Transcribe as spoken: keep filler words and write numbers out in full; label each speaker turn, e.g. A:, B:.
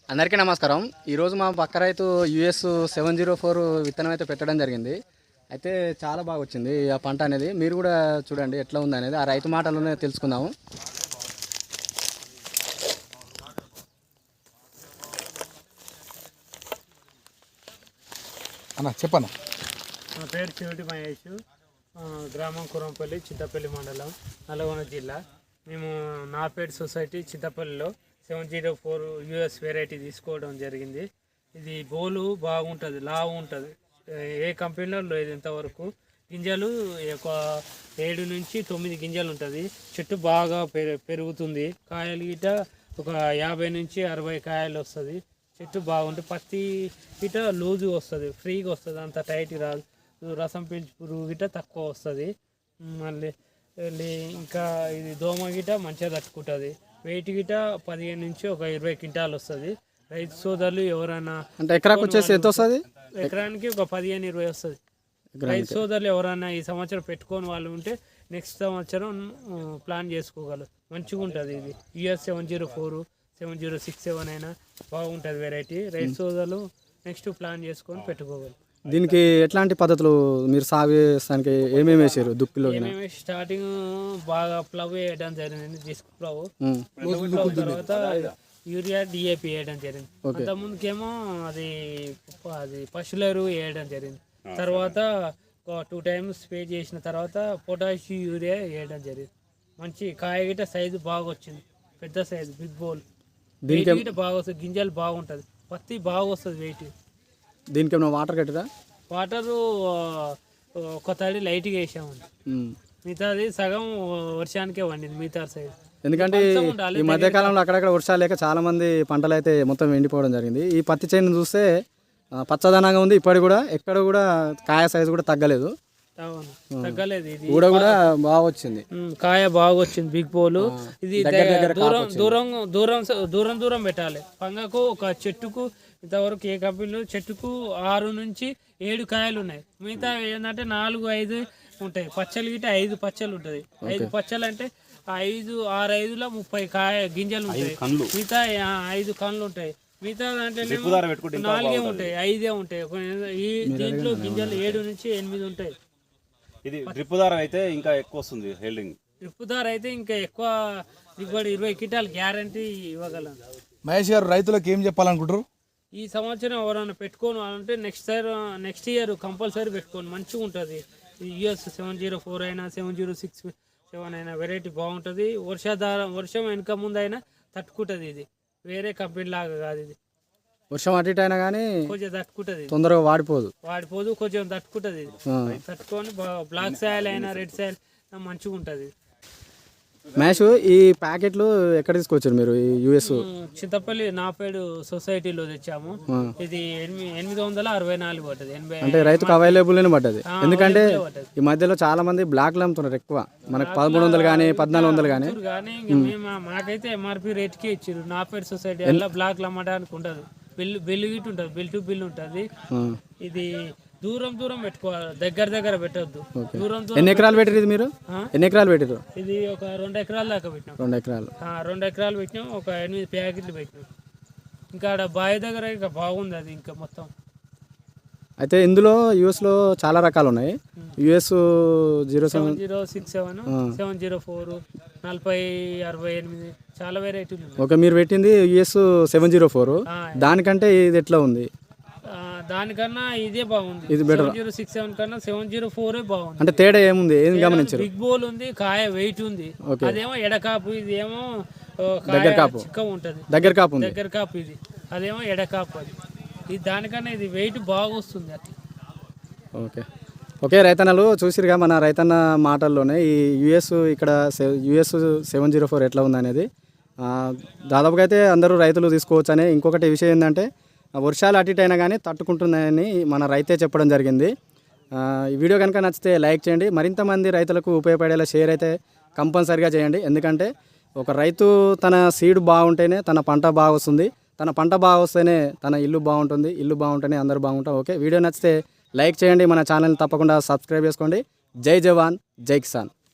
A: అందరికీ నమస్కారం. ఈరోజు మా పక్క రైతు యుఎస్ సెవెన్ జీరో ఫోర్ విత్తనం అయితే పెట్టడం జరిగింది. అయితే చాలా బాగా వచ్చింది ఆ పంట అనేది. మీరు కూడా చూడండి ఎట్లా ఉంది అనేది ఆ రైతు మాటలోనే తెలుసుకుందాము.
B: అన్న చెప్పన్న.
C: నా పేరు చివటి మహేష్, గ్రామం కురంపల్లి, చింతపల్లి మండలం, నల్గొండ జిల్లా. మేము నాపేట్ సొసైటీ చింతపల్లిలో seven zero four US variety తీసుకోవడం జరిగింది. ఇది బోలు బాగుంటుంది, లావు ఉంటుంది, ఏ కంపెనీలో లేదు ఇంతవరకు. గింజలు ఒక ఏడు నుంచి తొమ్మిది గింజలు ఉంటుంది. చెట్టు బాగా పెరుగుతుంది. కాయలు గిట ఒక యాభై నుంచి అరవై కాయలు వస్తుంది. చెట్టు బాగుంటుంది. పత్తి గిట లూజుగా వస్తుంది, ఫ్రీగా వస్తుంది, అంత టైట్ రాదు. రసం పీల్చి పురుగు గిట తక్కువ వస్తుంది. మళ్ళీ ఇంకా ఇది దోమ గిట మంచిగా తట్టుకుంటుంది. వెయిట్ గిట పదిహేను నుంచి ఒక ఇరవై క్వింటాలు వస్తుంది. రైతు సోదరులు ఎవరైనా
A: అంటే ఎకరాకు వచ్చేసి ఎంత వస్తుంది?
C: ఎకరానికి ఒక పదిహేను ఇరవై వస్తుంది. రైతు సోదరులు ఎవరైనా ఈ సంవత్సరం పెట్టుకొని వాళ్ళు ఉంటే నెక్స్ట్ సంవత్సరం ప్లాన్ చేసుకోగలరు. మంచిగా ఉంటుంది. ఇది US seven zero four seven zero six seven అయినా బాగుంటుంది వెరైటీ. రైతు సోదరులు నెక్స్ట్ ప్లాన్ చేసుకొని పెట్టుకోగలరు.
A: దీనికి ఎట్లాంటి పద్ధతులు మీరు సాగు చేస్తానికి ఏమేమి వేసారు? దుక్కిలో
C: ఏమేమి స్టార్టింగ్ బాగా ప్లవ్ వేయడం జరిగింది, డిస్క్ ప్లవ్. తర్వాత యూరియా డిఏపి వేయడం జరిగింది. అంత ముందుకేమో అది అది పశువుల ఎరువు వేయడం జరిగింది. తర్వాత ఒక టూ టైమ్స్ స్ప్రే చేసిన తర్వాత పొటాష్ యూరియా వేయడం జరిగింది. మంచి కాయ గిట సైజు బాగా వచ్చింది, పెద్ద సైజు, బిగ్ బోల్. వెయిట్ గిట బాగా వస్తుంది, గింజలు బాగుంటుంది, పత్తి బాగా వస్తుంది వెయిట్.
A: దీనికి ఏమైనా వాటర్ కట్టిరా?
C: వాటరు ఒక తడి లైట్గా వేసామండి. మిగతాది సగం వర్షానికే వండింది మిగతా సైడ్.
A: ఎందుకంటే ఈ మధ్యకాలంలో అక్కడక్కడ వర్షాలు లేక చాలా మంది పంటలు అయితే మొత్తం ఎండిపోవడం జరిగింది. ఈ పత్తి చేను చూస్తే పచ్చదనంగా ఉంది. ఇప్పటికి కూడా ఎక్కడ కూడా కాయ సైజు కూడా తగ్గలేదు,
C: తగ్గలేదు. ఇది
A: కూడా కూడా బాగా వచ్చింది,
C: కాయ బాగా వచ్చింది, బిగ్ పోలు. ఇది దూరం దూరం దూరం దూరం దూరం పెట్టాలి. పంగకు ఒక చెట్టుకు ఇంతవరకు ఏ కంపెనీలో చెట్టుకు ఆరు నుంచి ఏడు కాయలు ఉన్నాయి. మిగతా ఏంటంటే నాలుగు ఐదు ఉంటాయి. పచ్చలు గిట్ట ఐదు పచ్చలు ఉంటుంది. ఐదు పచ్చలు అంటే ఐదు ఆరు ఐదులో ముప్పై కాయ గింజలు ఉంటాయి. మిగతా ఐదు కన్నులు ఉంటాయి. మిగతా దాంట్లో నాలుగే ఉంటాయి, ఐదే ఉంటాయి. ఈ దీంట్లో గింజలు ఏడు నుంచి ఎనిమిది ఉంటాయి.
D: ఇది డ్రిప్ దార అయితే ఇంకా ఎక్కువ వస్తుంది హెల్డింగ్.
C: డ్రిప్ దార అయితే ఇంకా ఎక్కువ దిగుబడి, ఇరవై కింటాలు గ్యారంటీ ఇవ్వగలం.
B: మహేష్ గారు, రైతులకు ఏం చెప్పాలనుకుంటారు?
C: ఈ సంవత్సరం ఎవరైనా పెట్టుకోను అంటే next year next year compulsory పెట్టుకోండి, మంచిగా ఉంటుంది. యూఎస్ సెవెన్ జీరో ఫోర్ అయినా సెవెన్ జీరో సిక్స్ సెవెన్ అయినా వెరైటీ బాగుంటుంది. వర్షాధారం వర్షం వెనుక ముందు అయినా తట్టుకుంటుంది. ఇది వేరే కంపెనీ లాగా కాదు. ఇది
A: వర్షం అటు ఇటు అయినా కానీ
C: కొంచెం తట్టుకుంటుంది,
A: తొందరగా వాడిపోదు
C: వాడిపోదు కొంచెం తట్టుకుంటుంది. ఇది తట్టుకొని బ్లాక్ సాయిల్ అయినా రెడ్ సాయిల్ మంచిగా ఉంటుంది.
A: మ్యాష్ ఈ ప్యాకెట్లు ఎక్కడ తీసుకొచ్చారు మీరు? ఈ యుఎస్
C: చింతపల్లి నాపేడు సొసైటీలో తెచ్చాము. ఇది ఎనిమిది ఎనిమిది వందల అరవై నాలుగు పడ్డది. ఎనభై
A: అంటే రైతుకు అవైలబుల్ అని పడ్డది. ఎందుకంటే ఈ మధ్యలో చాలా మంది బ్లాక్ అమ్ముతున్నారు ఎక్కువ. మనకు పదమూడు వందలు కానీ పద్నాలుగు వందలు కానీ
C: కానీ మేము మాకైతే ఎంఆర్పి రేట్కి ఇచ్చారు. నాపేడు సొసైటీ అలా బ్లాక్లు అమ్మడానికి ఉండదు. బిల్లు బిల్లు గిట్ ఉంటుంది, బిల్ టు బిల్ ఉంటుంది. ఇది దూరం దూరం పెట్టుకోవాలి, దగ్గర దగ్గర పెట్టద్దు. దూరం దూరం.
A: ఎన్ని ఎకరాలు పెట్టారు మీరు? ఎన్ని ఎకరాలు పెట్టారు?
C: ఇది ఒక రెండు ఎకరాల దాకా పెట్టినాం.
A: రెండు ఎకరాలు
C: రెండు ఎకరాలు పెట్టినాం. ఒక ఎనిమిది ప్యాకెట్లు పెట్టినాం. ఇంకా ఆడ బావి దగ్గర ఇంకా బాగుంది అది ఇంకా మొత్తం.
A: అయితే ఇందులో యూఎస్లో చాలా రకాలు ఉన్నాయి. US zero seven
C: zero six seven seven zero four నలభై అరవై ఎనిమిది చాలా వెరైటీలు.
A: ఓకే, మీరు పెట్టింది యూఎస్ సెవెన్ జీరో ఫోర్. దానికంటే ఇది ఎట్లా ఉంది?
C: దానికన్నా ఇదే బాగుంది.
A: ఇది బెటర్.
C: జీరో సిక్స్ సెవెన్ కన్నా సెవెన్ జీరో ఫోర్ బాగుంది.
A: అంటే తేడా ఏముంది? ఏం గమనించారు?
C: బిగ్ బోల్ ఉంది, కాయ వెయిట్ ఉంది. అదేమో ఎడకాపు, ఇది ఏమో
A: దగ్గర కాపు,
C: చిక్క ఉంటది,
A: దగ్గర కాపు ఉంది.
C: దగ్గర కాపు ఇది, అదేమో ఎడకాపు. అది ఇది దానికన్నా ఇది వెయిట్ బాగా వస్తుంది అట్లా.
A: ఓకే ఓకే రైతన్నలు చూసిరుగా మన రైతన్న మాటల్లోనే ఈ యుఎస్ ఇక్కడ యుఎస్ సెవెన్ జీరో ఫోర్ ఎట్లా ఉంది అనేది. దాదాపుగా అయితే అందరూ రైతులు తీసుకోవచ్చు అని. ఇంకొకటి విషయం ఏంటంటే వర్షాలు అటు ఇటు అయినా కానీ తట్టుకుంటుందని మన రైతే చెప్పడం జరిగింది. ఈ వీడియో కనుక నచ్చితే లైక్ చేయండి. మరింత మంది రైతులకు ఉపయోగపడేలా షేర్ అయితే కంపల్సరిగా చేయండి. ఎందుకంటే ఒక రైతు తన సీడ్ బాగుంటేనే తన పంట బాగా వస్తుంది, తన పంట బాగా వస్తేనే తన ఇల్లు బాగుంటుంది, ఇల్లు బాగుంటేనే అందరూ బాగుంటాం. ఓకే, వీడియో నచ్చితే లైక్ చేయండి, మన ఛానల్ని తప్పకుండా సబ్స్క్రైబ్ చేసుకోండి. జై జవాన్, జై కిసాన్.